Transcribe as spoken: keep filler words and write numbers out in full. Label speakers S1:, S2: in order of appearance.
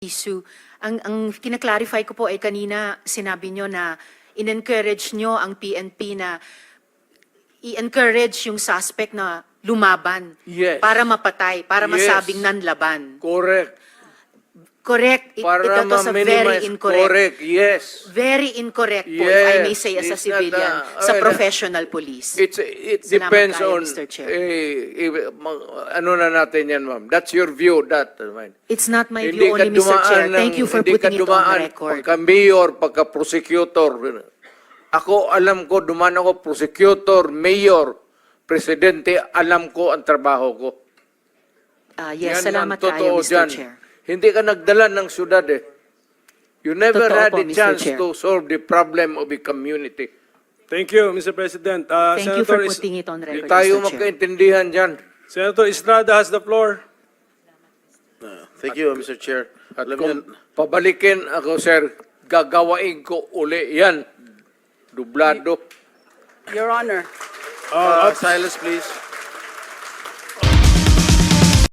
S1: issue. Ang, ang kinaklarify ko po ay kanina sinabi nyo na in-encourage nyo ang P N P na i-encourage yung suspect na lumaban
S2: Yes.
S1: para mapatay, para
S2: Yes.
S1: masabing nanlaban.
S2: Correct.
S1: Correct. It,
S2: Para
S1: ito to sa very
S2: ma-minimize.
S1: incorrect.
S2: Correct, yes.
S1: Very incorrect po, if I may
S2: Yes.
S1: say as a
S2: It's not,
S1: civilian,
S2: uh,
S1: sa
S2: uh,
S1: professional police.
S2: It's, it
S1: Salamat
S2: depends
S1: tayo,
S2: on,
S1: Mister Chair.
S2: eh, eh, ma- ano na natin yan, ma'am. That's your view, that. uh, ma'am.
S1: It's not my
S2: Hindi
S1: view
S2: ka
S1: only, Mister
S2: dumaan
S1: Chair.
S2: ng-
S1: Thank you for
S2: hindi ka
S1: putting it on
S2: dumaan
S1: the record.
S2: Pagka-mayor, pagka-prosecutor. Ako, alam ko, dumaan ako, prosecutor, mayor, presidente, alam ko ang trabaho ko.
S1: Ah, yes,
S2: Yan
S1: salamat
S2: ang totoo
S1: tayo, Mister
S2: dyan.
S1: Chair.
S2: Hindi ka nagdala ng syudad eh. You never
S1: Totoo
S2: had
S1: po,
S2: a
S1: Mister
S2: chance
S1: Chair.
S2: to solve the problem of a community.
S3: Thank you, Mister President. Uh,
S1: Thank you for
S3: Senator Is-
S1: putting it on
S2: Hindi
S1: record,
S2: tayo
S1: Mister Chair.
S2: magkaintindihan dyan.
S3: Senator Estrada has the floor.
S4: Thank you, Mister Chair.
S2: At
S4: Alam
S2: kung
S4: niyo,
S2: pabalikin ako, sir, gagawain ko uli yan. Dublado.
S5: Your Honor.
S3: Uh,
S4: uh, silence, please.